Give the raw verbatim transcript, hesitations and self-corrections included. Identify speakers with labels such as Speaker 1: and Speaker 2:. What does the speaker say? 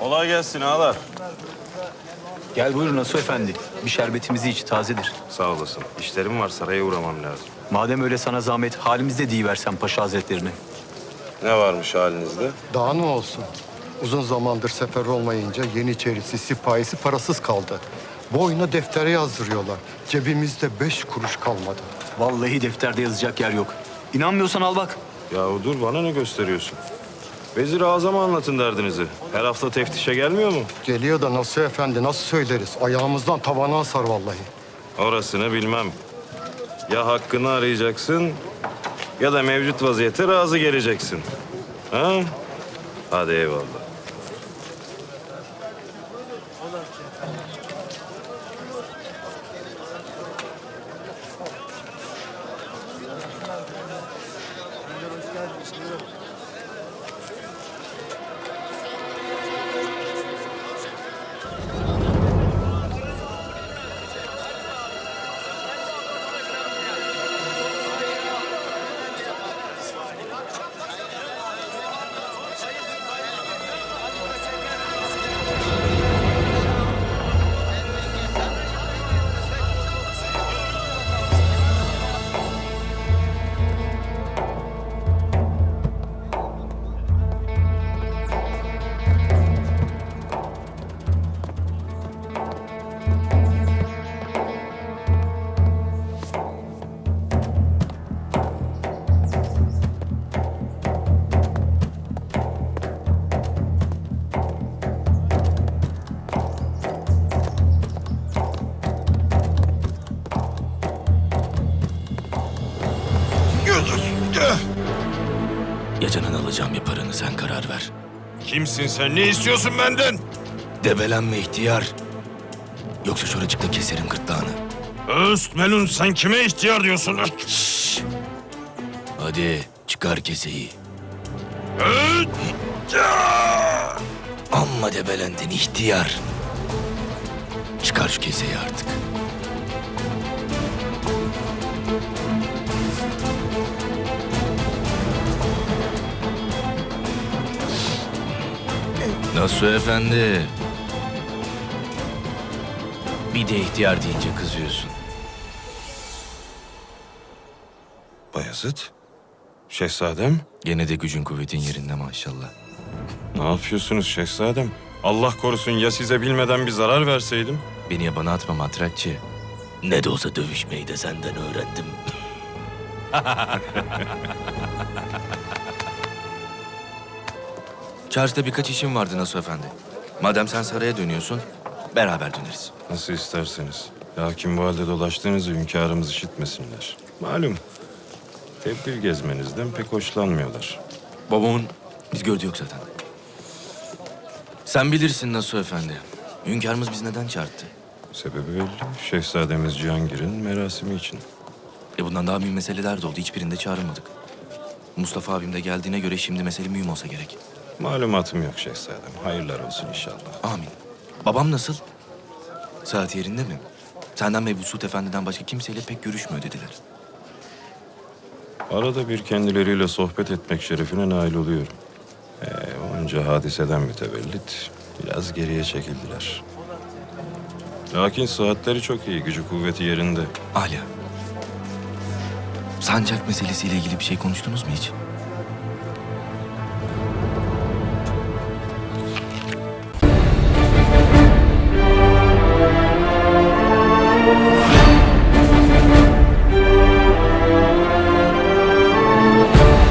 Speaker 1: Kolay gelsin ağalar.
Speaker 2: Gel buyur Nasuh Efendi. Bir şerbetimizi iç, tazedir.
Speaker 1: Sağ olasın. İşlerim var, saraya uğramam lazım.
Speaker 2: Madem öyle sana zahmet, halimizde deyiversen Paşa Hazretlerine.
Speaker 1: Ne varmış halinizde?
Speaker 3: Daha ne olsun? Uzun zamandır sefer olmayınca Yeniçerisi, sipahisi parasız kaldı. Boyuna deftere yazdırıyorlar. Cebimizde beş kuruş kalmadı.
Speaker 2: Vallahi defterde yazacak yer yok. İnanmıyorsan al bak.
Speaker 1: Yahu dur, bana ne gösteriyorsun? Vezir-i Azam'a anlatın derdinizi. Her hafta teftişe gelmiyor mu?
Speaker 3: Geliyor da Nasuh Efendi nasıl söyleriz? Ayağımızdan tavana asar vallahi.
Speaker 1: Orasını bilmem. Ya hakkını arayacaksın ya da mevcut vaziyete razı geleceksin. Ha? Hadi eyvallah.
Speaker 4: Ya canını alacağım ya paranı, sen karar ver.
Speaker 1: Kimsin sen? Ne istiyorsun benden?
Speaker 4: Debelenme ihtiyar. Yoksa şuracıkta keserim gırtlağını.
Speaker 1: Öst melun, sen kime ihtiyar diyorsun?
Speaker 4: Şşş! Hadi çıkar keseyi. Amma debelendin ihtiyar. Çıkar şu keseyi artık. Nasuh Efendi. Bir de ihtiyar deyince kızıyorsun.
Speaker 1: Bayezid, şehzadem.
Speaker 4: Gene de gücün kuvvetin yerinde maşallah.
Speaker 1: Ne yapıyorsunuz şehzadem? Allah korusun ya size bilmeden bir zarar verseydim?
Speaker 4: Beni yabana atma matrakçı. Ne de olsa dövüşmeyi de senden öğrendim. Çarşıda birkaç işim vardı Nasuh Efendi. Madem sen saraya dönüyorsun, beraber döneriz.
Speaker 1: Nasıl isterseniz. Lakin bu halde dolaştığınızı hünkârımız işitmesinler. Malum, tebdil gezmenizden pek hoşlanmıyorlar.
Speaker 4: Babamın biz gördü yok zaten. Sen bilirsin Nasuh Efendi. Hünkârımız bizi neden çağırdı?
Speaker 1: Sebebi belli. Şehzademiz Cihangir'in merasimi için.
Speaker 4: E bundan daha mühim meseleler de oldu. Hiçbirinde çağrılmadık. Mustafa abim de geldiğine göre şimdi mesele mühim olsa gerek.
Speaker 1: Malumatım yok şehzadem. Hayırlar olsun inşallah.
Speaker 4: Amin. Babam nasıl? Saat yerinde mi? Senden ve Mesut Efendi'den başka kimseyle pek görüşmüyor dediler.
Speaker 1: Arada bir kendileriyle sohbet etmek şerefine nail oluyorum. Ee, onca hadiseden mütevellit biraz geriye çekildiler. Lakin saatleri çok iyi, gücü kuvveti yerinde.
Speaker 4: Hala. Sancak meselesiyle ilgili bir şey konuştunuz mu hiç?